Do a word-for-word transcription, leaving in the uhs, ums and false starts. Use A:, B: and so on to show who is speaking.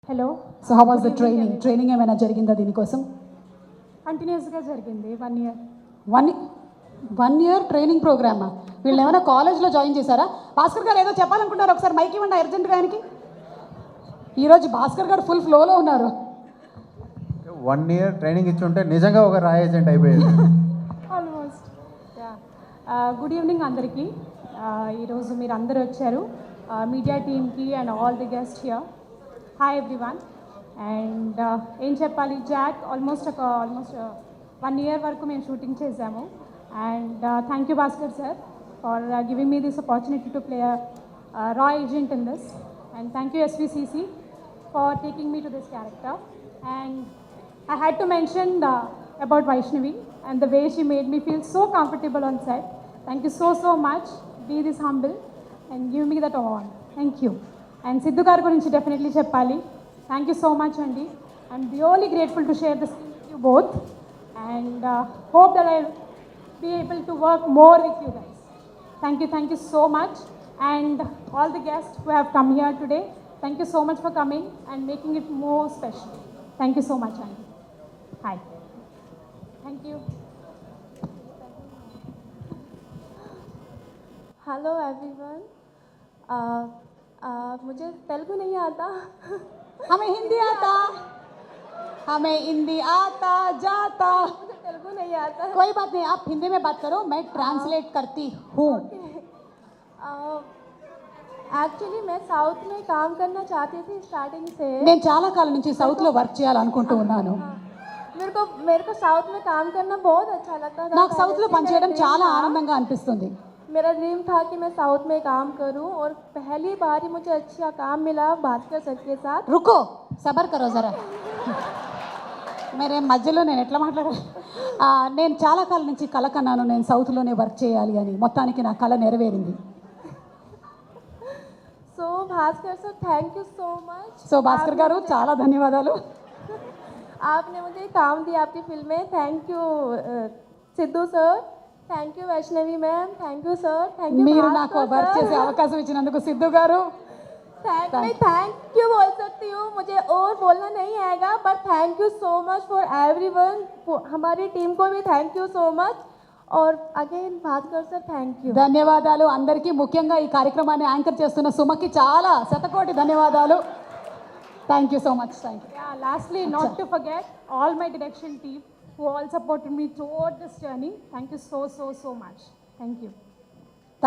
A: Hello.
B: So how was the training training ఏమైనా జరిగిందా దీనికోసం?
A: కంటిన్యూస్గా జరిగింది one year.
B: One one year training ప్రోగ్రామా? వీళ్ళు ఏమైనా కాలేజ్లో జాయిన్ చేశారా? భాస్కర్ గారు ఏదో చెప్పాలనుకుంటున్నారు, ఒకసారి మైక్ ఇవ్వండి అర్జెంట్గా ఆయనకి. ఈరోజు భాస్కర్ గారు ఫుల్ ఫ్లోలో ఉన్నారు.
C: వన్ ఇయర్ ట్రైనింగ్ ఇచ్చి ఉంటే నిజంగా ఒక రాయ్ ఏజెంట్ అయిపోయేది.
A: ఆల్మోస్ట్. గుడ్ ఈవినింగ్ అందరికీ. ఈరోజు మీరు అందరూ వచ్చారు, మీడియా టీమ్కి and all the guest here. Hi everyone. And ఏం చెప్పాలి, జాక్ ఆల్మోస్ట్ ఒక ఆల్మోస్ట్ వన్ ఇయర్ వరకు మేము షూటింగ్ చేసాము. And thank you Bhaskar sir for giving me this opportunity to play రా agent in this. And thank you SVCC for taking me to this character. And I had to mention the, about Vaishnavi and the way she made me feel so comfortable on set. Thank you so, so much. Be this humble and give me that award. Thank you. And Sidhu garu gurinchi definitely cheppali. Thank you so much, Andi. I'm really grateful to share this with you both. And uh, hope that I'll be able to work more with you guys. Thank you, thank you so much. And all the guests who have come here today, thank you so much for coming and making it more special. Thank you so much, Andy. Hi. Thank you.
D: Hello everyone. मुझे तेलुगु नहीं आता.
B: हमें हिंदी आता, हमें हिंदी आता जाता.
D: मुझे तेलुगु नहीं आता.
B: कोई बात नहीं, आप हिंदी में बात करो, मैं ट्रांसलेट करती हूँ.
D: एक्चुअली मैं साउथ में काम करना चाहती थी स्टार्टिंग से.
B: నేను చాలా కాలం నుంచి సౌత్లో వర్క్ చేయాలనుకుంటూ ఉన్నాను.
D: मेरे को मेरे को साउथ में काम करना बहुत अच्छा लगता था.
B: నాకు సౌత్లో పనిచేయడం చాలా ఆనందంగా అనిపిస్తుంది.
D: मेरा ड्रीम था कि मैं साउथ में काम करूं और पहली बार ही मुझे अच्छा काम मिला भास्कर सर के साथ.
B: రుకో సబర్ కరో జరా. మరి మధ్యలో నేను ఎట్లా మాట్లాడాలి? నేను చాలా కాలం నుంచి కల కన్నాను, నేను సౌత్లోనే వర్క్ చేయాలి అని. మొత్తానికి నా కళ నెరవేరింది.
D: So Bhaskar sir thank you so much.
B: So Bhaskar garu చాలా ధన్యవాదాలు.
D: आपने मुझे काम दिया आपकी फिल्म में. Thank you Siddhu sir. Thank you Vaishnavi ma'am. Thank you sir. Thank you.
B: మీరు నాకు వర్క్ చేసే అవకాశం ఇచ్చినందుకు సిద్ధు గారు.
D: थैंक मैं थैंक यू बोल सकती हूँ, मुझे और बोलना नहीं आएगा. But thank you so much for everyone. हमारी टीम को भी थैंक यू सो मच. और again Bhaskar sir thank you.
B: ధన్యవాదాలు అందరికీ, ముఖ్యంగా ఈ కార్యక్రమాన్ని యాంకర్ చేస్తున్న సుమకి చాలా శతకోటి ధన్యవాదాలు. Thank you so much. Thank you.
A: Yeah, lastly, not to forget all my direction team who all supported me throughout this journey. Thank you so, so, so much. Thank you.